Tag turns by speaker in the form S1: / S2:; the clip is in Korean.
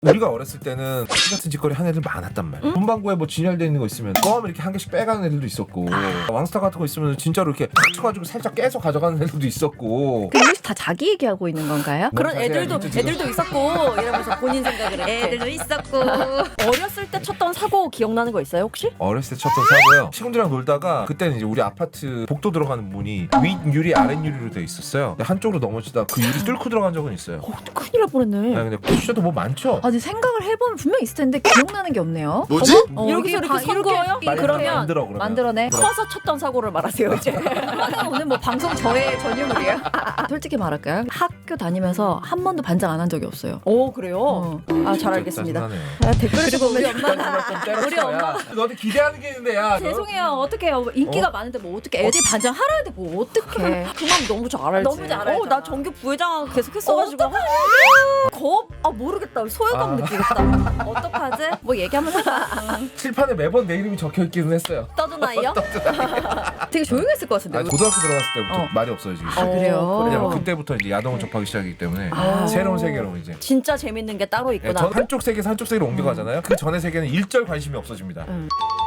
S1: 우리가 어렸을 때는 같은 짓거리 하는 애들 많았단 말이야. 문방구에 뭐 진열돼 있는 거 있으면 껌을 이렇게 한 개씩 빼가는 애들도 있었고 왕스타 같은 거 있으면 진짜로 이렇게 탁 쳐가지고 살짝 깨서 가져가는 애들도 있었고.
S2: 그 혹시 다 자기 얘기하고 있는 건가요?
S3: 그런
S1: 자세히
S3: 애들도
S1: 알겠죠, 지금?
S3: 있었고 이러면서 본인 생각을 이렇게.
S2: 애들도 있었고.
S3: 어렸을 때 쳤던 사고 기억나는 거 있어요 혹시?
S1: 어렸을 때 쳤던 사고요. 친구들이랑 놀다가 그때는 이제 우리 아파트 복도 들어가는 문이 윗 유리 아랫 유리로 돼 있었어요. 근데 한쪽으로 넘어지다 그 유리 뚫고 들어간 적은 있어요.
S3: 큰일 날 뻔했네.
S1: 아니, 근데 쿠션도 뭐 많죠.
S2: 아니 생각을 해보면 분명 있을 텐데 기억나는 게 없네요.
S4: 뭐지?
S3: 이렇게
S2: 다
S3: 선 거예요?
S2: 그러면
S1: 만들어 그러면.
S2: 만들어내.
S3: 커서 쳤던 사고를 말하세요 이제.
S2: 오늘 뭐 방송 저의 전유물이에요. 솔직히 말할까요? 학교 다니면서 한 번도 반장 안 한 적이 없어요.
S3: 오 그래요? 아 잘 알겠습니다.
S1: 짜증나네.
S3: 아, 댓글에 보고 우리 엄마가
S1: 우리 엄마 너한테 기대하는 게 있는데 야.
S2: 죄송해요. 어떡해요. 인기가 많은데 뭐 어떻게 애들 반장 하라 해도 뭐 어떡해.
S3: 그 마음 너무 잘 알지.
S2: 너무 잘 알잖아.
S3: 나 정규 부회장 계속 했어가지고 모르겠다. 소외감 느끼겠다.
S2: 어떡하지? 뭐 얘기하면 하자.
S1: 칠판에 매번 내 이름이 적혀 있기는 했어요.
S3: 떠든 아이요?
S2: 되게 조용했을 것 같은데.
S1: 아니, 고등학교 들어갔을 때부터 말이 없어지기 시작.
S2: 그래요?
S1: 왜냐면 그때부터 이제 야동을 접하기 시작하기 때문에 새로운 세계로 이제.
S3: 진짜 재밌는 게 따로
S1: 예,
S3: 있구나.
S1: 저 한쪽 세계에서 한쪽 세계로 옮겨가잖아요. 그 전의 세계는 일절 관심이 없어집니다.